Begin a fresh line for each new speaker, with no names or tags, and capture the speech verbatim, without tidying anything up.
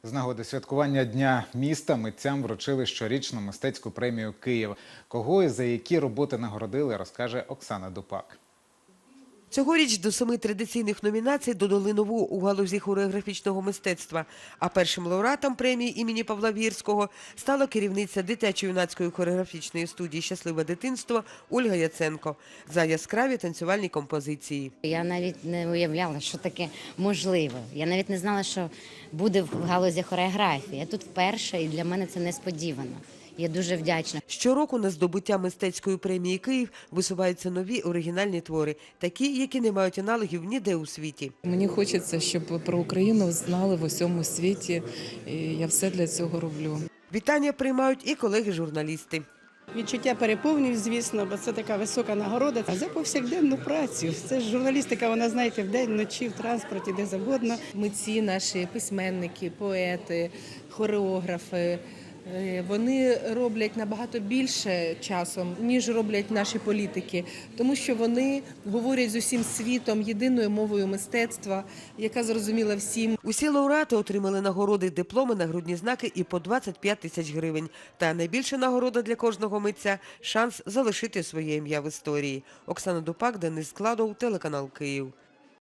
З нагоди святкування Дня міста митцям вручили щорічну мистецьку премію «Київ». Кого і за які роботи нагородили, розкаже Оксана Дупак.
Цьогоріч до семи традиційних номінацій додали нову у галузі хореографічного мистецтва. А першим лауреатом премії імені Павла Вірського стала керівниця дитячо-юнацької хореографічної студії «Щасливе дитинство» Ольга Яценко за яскраві танцювальні композиції.
Я навіть не уявляла, що таке можливо. Я навіть не знала, що буде в галузі хореографії. Я тут вперше, і для мене це несподівано. Я дуже вдячна.
Щороку на здобуття мистецької премії «Київ» висуваються нові оригінальні твори, такі, які не мають аналогів ніде у світі.
Мені хочеться, щоб про Україну знали в усьому світі, і я все для цього роблю.
Вітання приймають і колеги-журналісти.
Відчуття переповнюють, звісно, бо це така висока нагорода. А за повсякденну працю. Це ж журналістика, вона, знаєте, вдень, вночі, в транспорті, де завгодно.
Митці наші, письменники, поети, хореографи, вони роблять набагато більше часом, ніж роблять наші політики, тому що вони говорять з усім світом єдиною мовою мистецтва, яка зрозуміла всім.
Усі лауреати отримали нагороди, дипломи, нагрудні знаки і по двадцять п'ять тисяч гривень. Та найбільша нагорода для кожного митця – шанс залишити своє ім'я в історії. Оксана Дупак, Денис Складов, телеканал «Київ».